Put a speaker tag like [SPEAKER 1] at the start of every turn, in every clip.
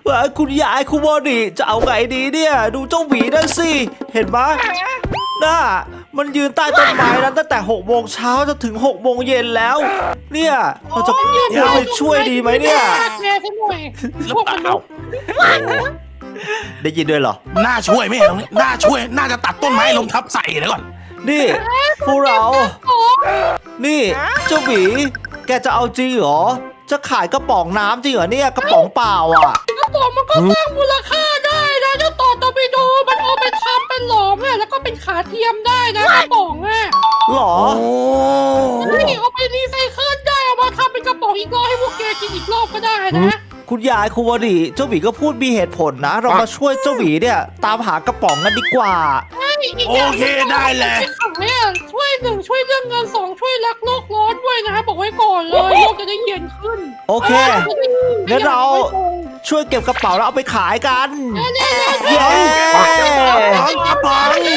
[SPEAKER 1] คุณยายคุณโมดิจะเอาไงดีเนี่ยดูเจ้าหมีนั่นสิเห็นไหมน่ามันยืนใต้ต้นไม้นั้นตั้งแต่6 โมงเช้าจนถึง6 โมงเย็นแล้วเนี่ยเราจะไปช่วยดีไหมเนี่ย
[SPEAKER 2] หรือเปล่า
[SPEAKER 1] ได้ยินด้วยเหรอ
[SPEAKER 2] น่าช่วยไหมตรงนี้น่าช่วยน่าจะตัดต้นไม้ลงทับใส่เดี๋ยวก่อน
[SPEAKER 1] นี่พวกเรานี่เจ้าหมีแกจะเอาจริงเหรอจะขายกระป๋องน้ำจริงเหรอเนี่ยกระป๋องเปล่าอ่ะ
[SPEAKER 3] กระป๋องมันก็สร้างมูลค่าได้นะเจ้าต่อตอร์ปิโดมันเอาไปทำเป็นหลอมอะแล้วก็เป็นขาเทียมได้นะกระป๋องอะ
[SPEAKER 1] หรอ
[SPEAKER 2] โอ้
[SPEAKER 3] นี่เอาไปรีไซเคิลได้เอามาทำเป็นกระป๋องอีกรอบให้พวกแกกินอีกรอบก็ได้นะ
[SPEAKER 1] คุณยายคุณวดีเจ้าหมีก็พูดมีเหตุผลนะ เรามาช่วยเจ้าหมีเนี่ยตามหากระป๋องกันดีกว่า
[SPEAKER 2] โอเคได้เลย
[SPEAKER 3] เนี่ยช่วย1ช่วยเรื่องเงิน2ช่วยรักโลกร้อนด้วยนะบอกไว้ก่อนเลยโลกจะได้เย็นขึ้น
[SPEAKER 1] โอเคงั้นเราช่วยเก็บกระเป๋าแล้วเอาไปขายกันเย้
[SPEAKER 2] กระป๋อง
[SPEAKER 1] นี่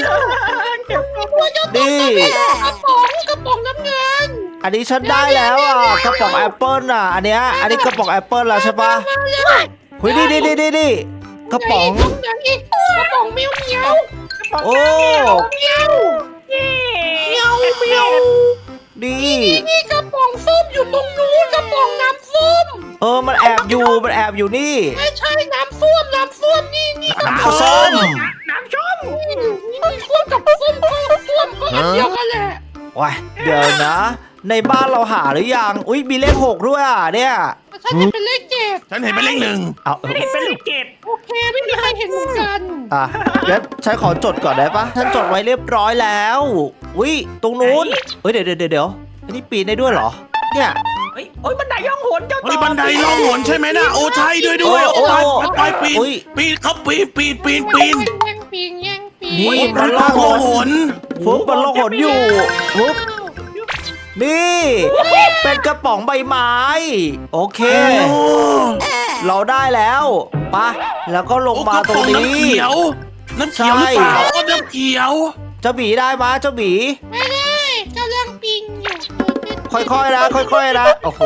[SPEAKER 3] กระป๋องน้ำเงิน
[SPEAKER 1] อันนี้ฉันได้แล้วอ่ะกระป๋องแอปเปิลอ่ะอันนี้กระป๋องแอปเปิลแล้วใช่ปะเฮ้ยนี่กระป๋อง
[SPEAKER 3] อย่างอีกกระป๋องเมียวเมียว
[SPEAKER 1] โอ้
[SPEAKER 3] เมียวเมียวเมียว
[SPEAKER 1] ดี
[SPEAKER 3] นี่กระป๋องส้มอยู่ตรงนู้นกระป๋องน้ำส้ม
[SPEAKER 1] มันแอบอยู่นี่
[SPEAKER 3] ไม่ใช่น้ำส้วมนี่
[SPEAKER 2] น้ำส้ม
[SPEAKER 3] น้ำส้มนี่ส้วมกับส้มก็ส้วมก็อันเดียวกันแหละ
[SPEAKER 1] ว้ายเดี๋ยวนะ ในบ้านเราหาหรือยังอุ้ยมีเลข6ด้วยอ่ะเนี่ย
[SPEAKER 3] ฉันเห็นเป็นเลข7
[SPEAKER 2] ฉันเห็นเป็นเลขหนึ่ง
[SPEAKER 1] เอา
[SPEAKER 4] ไม่เห็นเป็นลูกเกด
[SPEAKER 3] โอเคไม่มีใครเห็นเหมือนกัน
[SPEAKER 1] งั้นฉันขอจดก่อนได้ปะฉันจดไว้เรียบร้อยแล้วอุ้ยตรงนู้นเฮ้ยเดี๋ยวอันนี้ปีนได้ด้วยเหรอเนี่ย
[SPEAKER 4] เฮ้ยโอ้ยบันไดย่องหนเจ้า
[SPEAKER 2] เฮ้ยบันไดล่องหนใช่ไหมนะโอ้ใช่ด้วยโอ้ไปปีน
[SPEAKER 1] อุ๊ย
[SPEAKER 2] ปีนเขาปีน
[SPEAKER 3] แย่งปีน
[SPEAKER 1] นี่
[SPEAKER 2] มันล่องหน
[SPEAKER 1] ฟุ๊บมันลงหนอยู่ฟุ๊บนี่เป็นกระป๋องใบไม้โอเค
[SPEAKER 2] โอ้
[SPEAKER 1] เราได้แล้วปะแล้วก็ลงมาตรงนี้
[SPEAKER 2] น้ำเขียวหรือเปล่าอ๋อน้ำเขียว
[SPEAKER 1] เจ้าหมีได้ปะเจ้าหมี
[SPEAKER 3] ไม่ได้กำลังปีนอยู่
[SPEAKER 1] ค่อยๆนะโอ้โห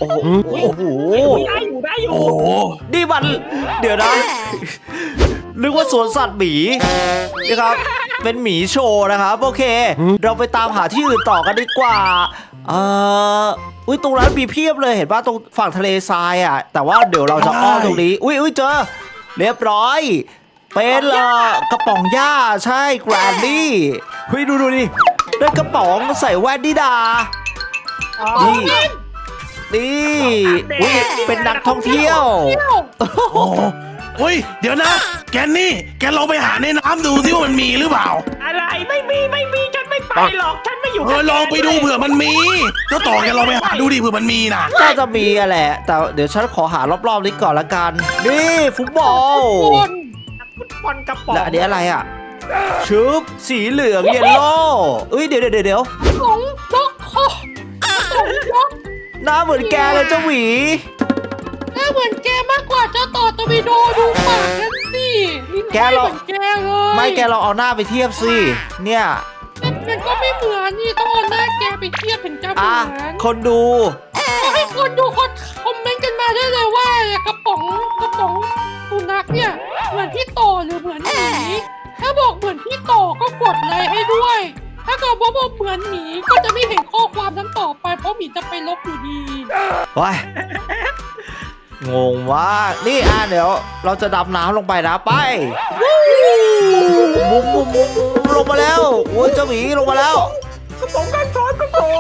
[SPEAKER 4] ได้อยู่
[SPEAKER 2] โอ้
[SPEAKER 1] นี่มันเดี๋ยวนะ นึกว่าสวนสัตว์หมีนี่ครับ เป็นหมีโชว์นะครับโอเค เราไปตามหาที่อื่นต่อกันดีกว่าอุ้ยตรงนั้นมีเพียบเลยเห็นป่ะตรงฝั่งทะเลทรายอ่ะแต่ว่าเดี๋ยวเราจะอ้อมตรงนี้อุ้ยเจอเรียบร้อยเป็นกระป๋องหญ้าใช่แกรนดี้เฮ้ยดูดิได้กระป๋องใส่แว่นดิดานี่อุ้ยเป็นนักท่องเที่ยว
[SPEAKER 2] โอ้เฮ้ยเดี๋ยวนะ แกนี่แกลองไปหาในน้ำดูซิว่ามันมีหรือเปล่า
[SPEAKER 4] อะไรไม่มีฉันไม่ไปหรอกฉันไม่อยู่
[SPEAKER 2] ลองไปดูเผื่อมันมีเจ้าต่อแกลองไปหาดูดิเผื่อมันมีนะ
[SPEAKER 1] น่าจะมีอะแหละแต่เดี๋ยวฉันขอหารอบๆนี้ก่อนละกันนี่ฟุตบอล
[SPEAKER 4] ฟุตบอลกระป๋อง
[SPEAKER 1] และอันนี้อะไรอ่ะชุบสีเหลืองเยลโล่เอ้ยเดี๋ยว
[SPEAKER 3] ของบล็อกคอของบล็อก
[SPEAKER 1] หน้าเหมือนแกเลยเจ้าหวี
[SPEAKER 3] หน้าเหมือนแกมากกว่าเจ้าต่อตอร์ปิโดดูปากนั่นสิเหมือนแกเลย
[SPEAKER 1] ไม่แกเราเอาหน้าไปเทียบสิเนี่ย
[SPEAKER 3] มันก็ไม่เหมือนนี่ต้องเอาหน้าแกไปเทียบเป็นเจ้าเหมือน
[SPEAKER 1] คนดู
[SPEAKER 3] ให้คนดูคอมเมนต์กันมาได้เลยว่ากระป๋องสุนัขเนี่ยเหมือนพี่ต่อหรือเหมือนหมีถ้าบอกเหมือนพี่ต่อก็กดไลค์ให้ด้วย ถ้าเกิดว่าบอกเหมือนหมีก็จะไม่เห็นข้อความนั้นต่อไปเพราะหมีจะไปลบอยู่ดี
[SPEAKER 1] ว้ายงงมากนี่เดี๋ยวเราจะดำน้ำลงไปนะไปบุ้มลงมาแล้วโอ้ยเจ้าหมีลงมาแล้ว
[SPEAKER 4] กระป๋องกันซ้อนกระป๋อง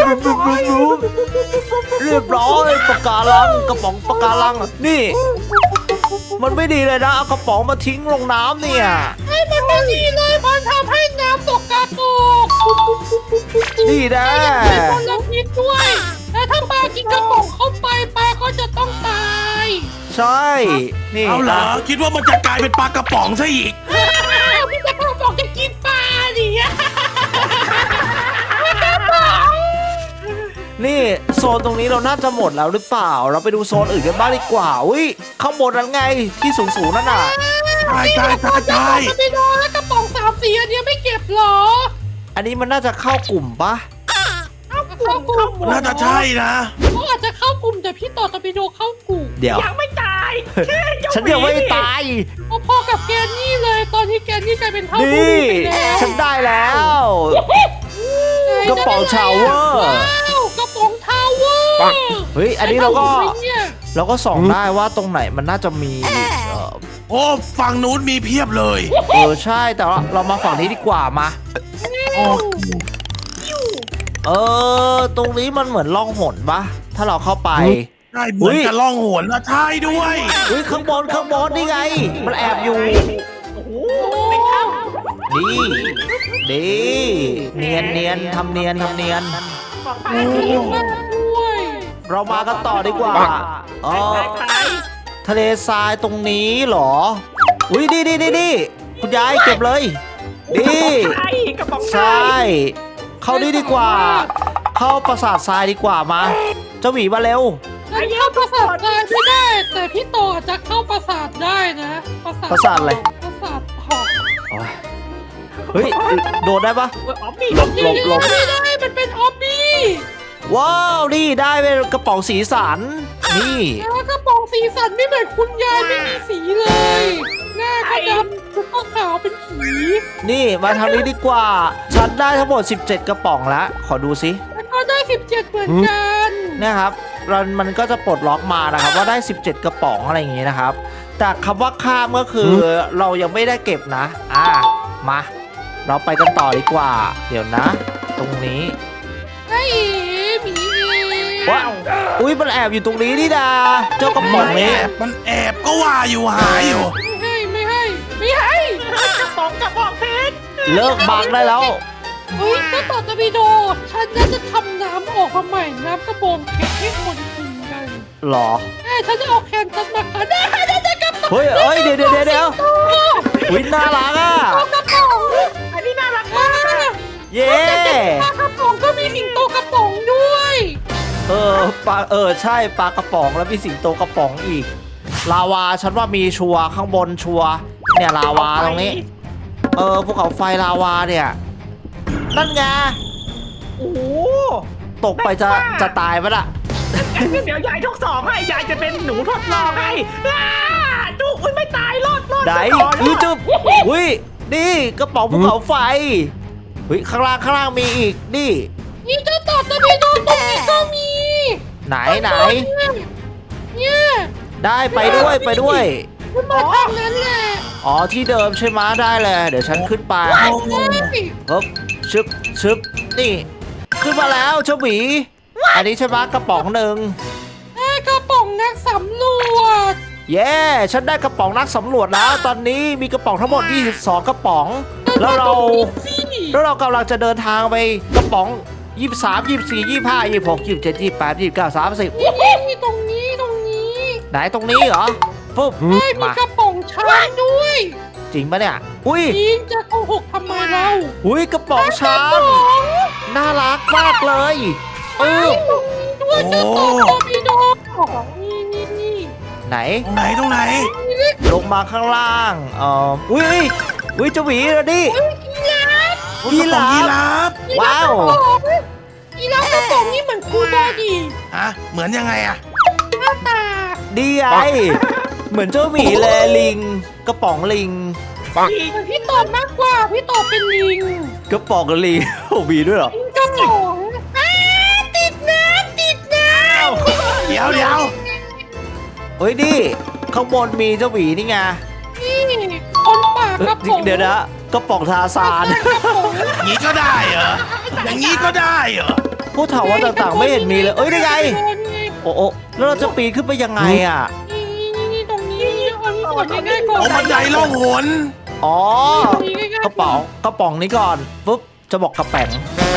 [SPEAKER 1] เรียบร้อยปะการังกระป๋องปะการังนี่ มันไม่ดีเลยนะเอากระป๋องมาทิ้งลงน้ำเนี่ย
[SPEAKER 3] ให้มันไม่ดีเลยมันทำให้น้ำสกปรก
[SPEAKER 1] นี่นะ
[SPEAKER 3] เป็นมลพิษด้วยและถ้าปลากินกระป๋องเข้าไปปลาก็จะต้องตาย
[SPEAKER 1] ใช่นี่
[SPEAKER 2] เอาเหรอคิดว่ามันจะกลายเป็นปลากระป๋องซะอีก
[SPEAKER 3] พี่จะกระป๋องจะกินปลาดิอะ
[SPEAKER 1] นี่โซนตรงนี้เราน่าจะหมดแล้วหรือเปล่า เราไปดูโซนอื่นกันบ้างดีกว่าอุ้ยข้างบนนั้นไงที่สูงนั่นน่ะ
[SPEAKER 2] ใช่
[SPEAKER 3] ไม่โดนแล้วกระป๋อง3 สีอันเนี้ยไม่เก็บหรอ
[SPEAKER 1] อันนี้มันน่าจะเข้ากลุ่มปะ
[SPEAKER 3] เข้ากลุ่ม
[SPEAKER 2] น่าจะใช่นะ
[SPEAKER 3] เขาอาจจะเข้ากลุ่มแต่พี่ต่อตอร์ปิโดเข้ากลุ่ม
[SPEAKER 1] เดี๋ยว
[SPEAKER 4] ยังไม่ตาย
[SPEAKER 1] ฉันยังไม่ตาย
[SPEAKER 3] พอๆกับแกนนี่เลยตอนนี้แกนนี่กลายเป็นเท่าผู้
[SPEAKER 1] นี่
[SPEAKER 3] ไปแล้ว
[SPEAKER 1] ฉันได้แล้ว กระป๋องชาวเวอร์
[SPEAKER 3] ว้าวกระป๋องทาวเวอร์
[SPEAKER 1] เฮ้ยอันนี้เราก็
[SPEAKER 3] ไอ้เนี่ย
[SPEAKER 1] ส่องได้ว่าตรงไหนมันน่าจะมีเออ
[SPEAKER 2] โอ้ฝั่งนู้นมีเพียบเลย
[SPEAKER 1] ใช่แต่ว่าเรามาฝั่งนี้ดีกว่ามา
[SPEAKER 2] โอ้
[SPEAKER 1] ตรงนี้มันเหมือนล่องหนปะถ้าเราเข้าไป
[SPEAKER 2] ใช่เหมือนกับล่องหนนะใช่ด้วย
[SPEAKER 1] อุ้ยข้างบนนี่ไง มันแอบอยู่
[SPEAKER 4] โอ้โหในถ้
[SPEAKER 1] ดีเนียนทำเนียน
[SPEAKER 4] ำบอกไป
[SPEAKER 3] มากด้วย
[SPEAKER 1] เรามากันต่อดีกว่าเออ
[SPEAKER 4] ไป
[SPEAKER 1] ทะเลทรายตรงนี้เหรอ อุ้ยดีคุณยายเก็บเลยดี
[SPEAKER 4] ใช่กระป๋อง
[SPEAKER 1] ใช่ เข้านี่ดีกว่า เข้าปราสาททรายดีกว่ามา เจ้าหมีมาเร็ว
[SPEAKER 3] ฉันเข้าปราสาทได้ไม่ได้ แต่พี่ต่อจะเข้าปราสาทได้นะปราสาท
[SPEAKER 1] ปราสาทอะไร
[SPEAKER 3] ปราสาทหอก
[SPEAKER 1] โอ้ยเฮ้ย โดดได้ปะ
[SPEAKER 4] อ๋อมี
[SPEAKER 1] หลบ
[SPEAKER 3] ไม่ได้มันเป็นออบบี้
[SPEAKER 1] ว้าว นี่ได้เป็นกระป๋องสีสัน นี่
[SPEAKER 3] แล้วกระป๋องสีสันไม่เหมือนคุณยายไม่มีสีเลย หน้าก็ดำชุดก็ขาวเป็นผี
[SPEAKER 1] นี่มาทางนี้ดีกว่า ฉันได้ทั้งหมด 17 กระป๋องแล้ว ขอดูสิ
[SPEAKER 3] แล้วก็ได้17เหมือนกัน
[SPEAKER 1] เนี่ยครับมันก็จะปลดล็อกมานะครับว่าได้ 17 กระป๋องอะไรอย่างงี้นะครับ แต่คำว่าข้ามก็คือเรายังไม่ได้เก็บนะ มา เราไปกันต่อดีกว่า เดี๋ยวนะ ตรงนี้
[SPEAKER 3] ไอ้หมีเอง
[SPEAKER 1] ว้าวอุ้ยมันแอบอยู่ตรงนี้นี่ดาเจ้ากระป๋องนี้
[SPEAKER 2] มันแอบก็ว่าอยู่หาอยู่
[SPEAKER 3] ไม่ให้
[SPEAKER 4] กระป๋องกระป๋องเพชร
[SPEAKER 1] เลิกบังได้แล้ว
[SPEAKER 3] เฮ้ยเจ้าต่อตะบีโด ฉันน่าจะทำน้ำออกมาใหม่น้ำกระบองเพชรให้คนกินกัน
[SPEAKER 1] หรอ
[SPEAKER 3] ฉันจะเอาแคนตัสมาขายได้กระป๋อง
[SPEAKER 1] เฮ้ยเดี๋ยวอุ้ยน่ารักอ่ะ
[SPEAKER 3] กระป๋อง
[SPEAKER 4] อันนี้น่ารัก
[SPEAKER 3] อ่าม
[SPEAKER 4] าก
[SPEAKER 1] เย้
[SPEAKER 3] ปลากระป๋องก็มีสิงโตกระป๋องด้วย
[SPEAKER 1] ใช่ปลากระป๋องแล้วมีสิงโตกระป๋องอีก ลาวาฉันว่ามีชัวร์ข้างบนชัวร์เนี่ยลาวาตรงนี้ ภูเขาไฟลาวาเนี่ย นั่นไง
[SPEAKER 4] โอ้โห
[SPEAKER 1] ตกไปจะตายปะล่ะ
[SPEAKER 4] งั้นเดี๋ยวยายทดสอบให้ยายจะเป็นหนูทดลองให้จุ๊อุ้ยไม่ตายรอด
[SPEAKER 1] ไหน
[SPEAKER 4] ปก่อน
[SPEAKER 1] อุ้ยจุ๊บอุ้ยนี่กระป๋องภูเขาไฟเฮ้ยข้างล่างมีอีกนี่
[SPEAKER 3] นี่เจ้าต่อตะบีโดตรงนี้ก็มี
[SPEAKER 1] ไหน
[SPEAKER 3] เนี่ย
[SPEAKER 1] ได้ไปด้วย
[SPEAKER 3] คุณมาทางนั้นแหละ
[SPEAKER 1] อ๋อที่เดิมใช่ไหมได้เลยเดี๋ยวฉันขึ้นไป
[SPEAKER 3] ใช่
[SPEAKER 1] ปึ๊บชึบนี่ ขึ้นมาแล้วเจ้าหมีอันนี้ใช่ไหมกระป๋องหนึ่ง
[SPEAKER 3] ได้กระป๋องนักสำรวจ
[SPEAKER 1] เย้ฉันได้กระป๋องนักสำรวจแล้ว ตอนนี้มีกระป๋องทั้งหมด22กระป๋อง แล้วเรากำลังจะเดินทางไปกระป๋อง23 24 25 26 27 28 29 30
[SPEAKER 3] นี่ตรงนี้
[SPEAKER 1] ไหนตรงนี้เหรอปุ๊บ
[SPEAKER 3] ได้มี
[SPEAKER 1] มาก
[SPEAKER 3] ระป๋องช้างด้วย
[SPEAKER 1] จริงปะเนี่ยอุ้ย
[SPEAKER 3] ยิงจะโกหกทำไมเรา
[SPEAKER 1] อุ้ยกระป๋องช้างน่ารักมากเลย
[SPEAKER 3] ด้วยเจ้าต่อตอร์ปิโดนี่
[SPEAKER 1] ไหน
[SPEAKER 2] ตรงไหน
[SPEAKER 1] ลงมาข้างล่างอุ้ยเจ้าหวีแล้วดิ
[SPEAKER 2] ยีราฟ
[SPEAKER 1] ว้าว
[SPEAKER 3] อีแล้วกระป๋องนี่เหมือนครูบอดี
[SPEAKER 2] ฮะเหมือนยังไงอะ
[SPEAKER 3] หน้าตา
[SPEAKER 1] ดีไอเหมือนเจ้าหมีแลลิง กระป๋องลิง
[SPEAKER 3] เหมือนพี่ตอบมากกว่าพี่ตอบเป็นลิง
[SPEAKER 1] กระป๋องลิง โอ้มีด้วยเหรอ
[SPEAKER 3] กระป๋องติดน้ำ
[SPEAKER 2] เดี๋ยว
[SPEAKER 1] เฮ้ยนี่ข้างบนมีเจ้าหมีนี่ไง
[SPEAKER 3] นี่คนป่ากระป๋อง
[SPEAKER 1] เดี๋ยวนะกระป๋องทาซาน
[SPEAKER 3] กระป๋อง
[SPEAKER 2] อย่างนี้ก็ได้เหรออย่างนี้ก็ได้เหรอ
[SPEAKER 1] ผู้เฒ่าว่าต่างๆไม่เห็นมีเลยได้ไงโอ้แล้วเราจะปีนขึ้นไปยังไงอ่ะ
[SPEAKER 3] นี่ตรงนี้อันนี้ก่อนง่ายๆก่อน
[SPEAKER 2] โอ้บันไดล่องหน
[SPEAKER 1] อ๋อ
[SPEAKER 3] ตรงนี้ง่ายๆ
[SPEAKER 1] กระป๋องนี้ก่อนปุ๊บจะบอกกระแป๋ง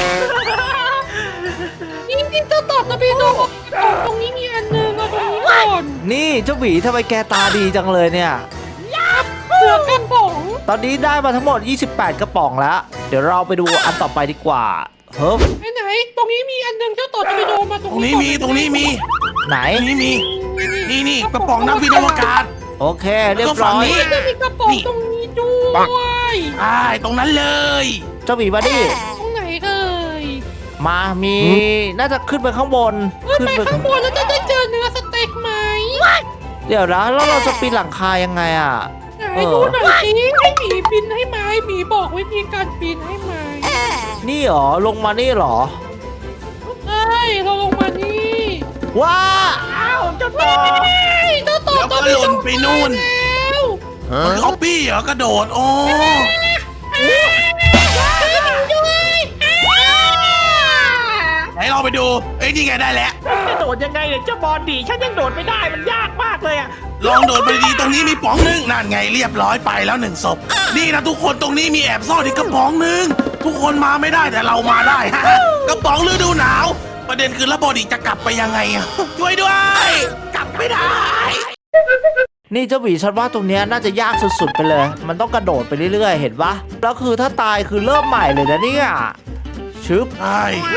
[SPEAKER 3] นี่เจ้าต่อตะบีโดตรงนี้มีอันนึงเอาตรงนี้ก่อน
[SPEAKER 1] นี่เจ้าหมีทำไมแกตาดีจังเลยเนี่ย
[SPEAKER 3] เสือกระป๋อง
[SPEAKER 1] ตอนนี้ได้มาทั้งหมด 28 กระป๋องแล้ว เดี๋ยวเราไปดูอันต่อไปดีกว่าเฮ้ย
[SPEAKER 3] ไหนตรงนี้มีอันนึงเจ้าต่อตะบีโดมาต
[SPEAKER 2] ต
[SPEAKER 3] ร
[SPEAKER 2] รง ง
[SPEAKER 3] นี้
[SPEAKER 2] นี้มีตรงนี้มี
[SPEAKER 1] ไหน
[SPEAKER 2] นี่มีนี่กระป๋องน้ำพิษอวกาศ
[SPEAKER 1] โอเคเรียบร้อย
[SPEAKER 3] จะมีกระป๋องตรงนี้ด้วย
[SPEAKER 2] ใช่ตรงนั้นเลย
[SPEAKER 1] เจ้าหมีมาดิ
[SPEAKER 3] ตรงไหนเอ่ย
[SPEAKER 1] มามีน่าจะขึ้นไปข้างบน
[SPEAKER 3] ไปข้างบนแล้วจะได้เจอเนื้อสเต็กไหม
[SPEAKER 1] เดี๋ยวนะแล้วเราจะปีนหลังคายังไงอ่ะ
[SPEAKER 3] ไหนดูหน่อยสิให้หมีปีนให้ไหมหมีบอกวิธีการปีนให้ไหม
[SPEAKER 1] นี่เหรอลงมานี่เหรอ
[SPEAKER 3] ใช่เราลงมานี่
[SPEAKER 1] ว้า
[SPEAKER 4] อ้าวเจ้าต่อ
[SPEAKER 3] เฮ้ยเจ้าต่อ
[SPEAKER 2] แล้วก็หล่นไปนู่น
[SPEAKER 3] แล้ว
[SPEAKER 2] มันเขาปี้เหรอกระโดดโอ้ ไหนเราไปดูเอ้ยนี่ไงได้แล้ว
[SPEAKER 4] จะโดดยังไงเนี่ยเจ้าบอลดีฉันยังโดดไม่ได้มันยากมากเลยอ่ะ
[SPEAKER 2] ลองโดดไปดีตรงนี้มีป๋องหนึงนั่นไงเรียบร้อยไปแล้ว1ศพนี่นะทุกคนตรงนี้มีแอบซ่อนอีกกระป๋องหนึงทุกคนมาไม่ได้แต่เรามาได้ ฮะกระป๋องฤดูหนาว ประเด็นคือระบอดีจะกลับไปยังไงอะช่วยด้วยกลับไม่ได้
[SPEAKER 1] นี่เจ้าหมีฉันว่าตรงเนี้ยน่าจะยากสุดๆไปเลย มันต้องกระโดดไปเรื่อยๆเห็นปะแล้วคือถ้าตายคือเริ่มใหม่เลยนะเนี่ยชึบ
[SPEAKER 2] ใช่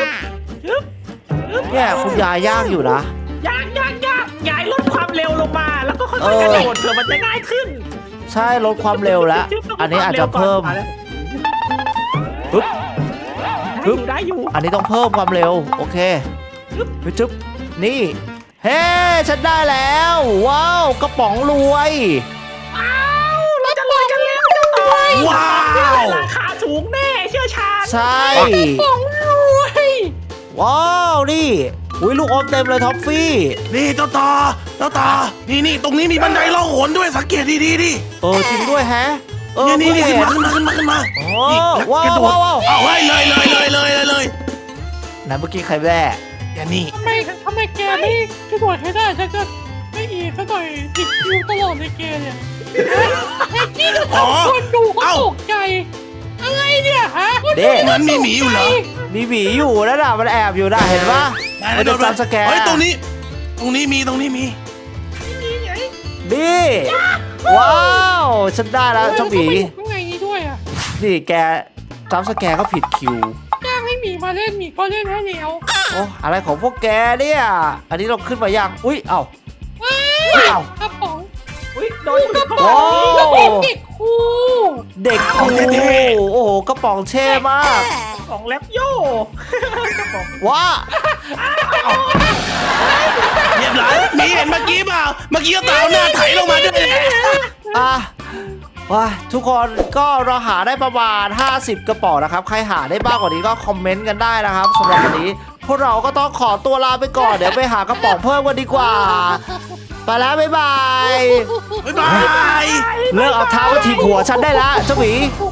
[SPEAKER 1] เนี่ยคุณยายยากอยู่นะ
[SPEAKER 4] ยากยายลดความเร็วลงมา แล้วก็ค่อยๆกระโดดเผื่อมันจะง่ายขึ้น
[SPEAKER 1] ใช่ลดความเร็วแล้ว อันนี้อาจจะเพิ่มปึ๊บ
[SPEAKER 4] ได้อยู่
[SPEAKER 1] อันนี้ต้องเพิ่มความเร็วโอเคจึ๊บนี่เฮ้ฉันได้แล้วว้าวกระป๋องรวย
[SPEAKER 4] เราจะลอยกันแล้วเจ้าต่อ
[SPEAKER 2] ว้าว
[SPEAKER 4] ราคาสูงแน่เชื่อชาญ
[SPEAKER 1] ใช่
[SPEAKER 3] ของรวย
[SPEAKER 1] ว้าวนี่อุ้ยลูกอมเต็มเลยท็อฟฟี่
[SPEAKER 2] นี่เจ้าต่อนี่ตรงนี้มีบันไดล่องหนด้วยสังเกตดีๆดิ
[SPEAKER 1] จริงด้วยแฮะ
[SPEAKER 2] นี่
[SPEAKER 1] เพิ่ง
[SPEAKER 2] ขึ้น
[SPEAKER 1] เห็
[SPEAKER 2] มาขึ้นมา
[SPEAKER 1] โอ้
[SPEAKER 2] นี่
[SPEAKER 1] ว้าว
[SPEAKER 2] กระโดด
[SPEAKER 1] ว้าว
[SPEAKER 2] เอาไว้เลย
[SPEAKER 1] ไหนเมื่อกี้ใครแว่
[SPEAKER 2] แกนี่
[SPEAKER 3] ทำไมแกไม่กระโดดให้ได้ฉันจะไม่อีกสักหน่อยติดคิวตลอดเลยแกเนี่ยแค่ที่จะทำคนดูก็ตกใจ อะไรเนี่ยฮะ
[SPEAKER 1] เด้
[SPEAKER 2] มันมีหมีอยู่เหรอ
[SPEAKER 1] มีหมีอยู่นะน่ะมันแอบอยู่นะเห็นปะมันจะจำสแกน
[SPEAKER 2] เฮ้ยตรงนี้มี
[SPEAKER 1] นี่ว้าวฉันได้แล้วเจ้าหมี
[SPEAKER 3] ข้างในนี้ด้วยอ่ะ
[SPEAKER 1] นี่แกจำสแกนก็ผิดคิว
[SPEAKER 3] จ้างให้หมีมาเล่นหมีก็เล่นให้แล้ว
[SPEAKER 1] โอ้อะไรของพวกแกเนี่ยอันนี้เราขึ้นมายังอุ้ยเอ้า
[SPEAKER 3] ว้าวกระป๋อง
[SPEAKER 4] อุ้ยโดนกระป๋
[SPEAKER 1] โอ้
[SPEAKER 3] แล้วเป็นเด็กครู
[SPEAKER 1] เด็กครูโอ้โหกระป๋องเท่มาก
[SPEAKER 4] ของแลปโย่
[SPEAKER 1] ว้า
[SPEAKER 2] เรียบร้อยมีเห็นเมื่อกี้เปล่าเมื่อกี้ก็ตามหน้าไถลงมาด้วย
[SPEAKER 1] อ่ะว้าทุกคนก็เราหาได้ประมาณ50 กระป๋องนะครับใครหาได้บ้างกว่านี้ก็คอมเมนต์กันได้นะครับสำหรับวันนี้พวกเราก็ต้องขอตัวลาไปก่อนเดี๋ยวไปหากระป๋องเพิ่มกันดีกว่าไปแล้วบ๊ายบาย
[SPEAKER 2] บ๊ายบาย
[SPEAKER 1] เลิกเอาเท้ามาถีบหัวฉันได้แล้วเจ้าหมี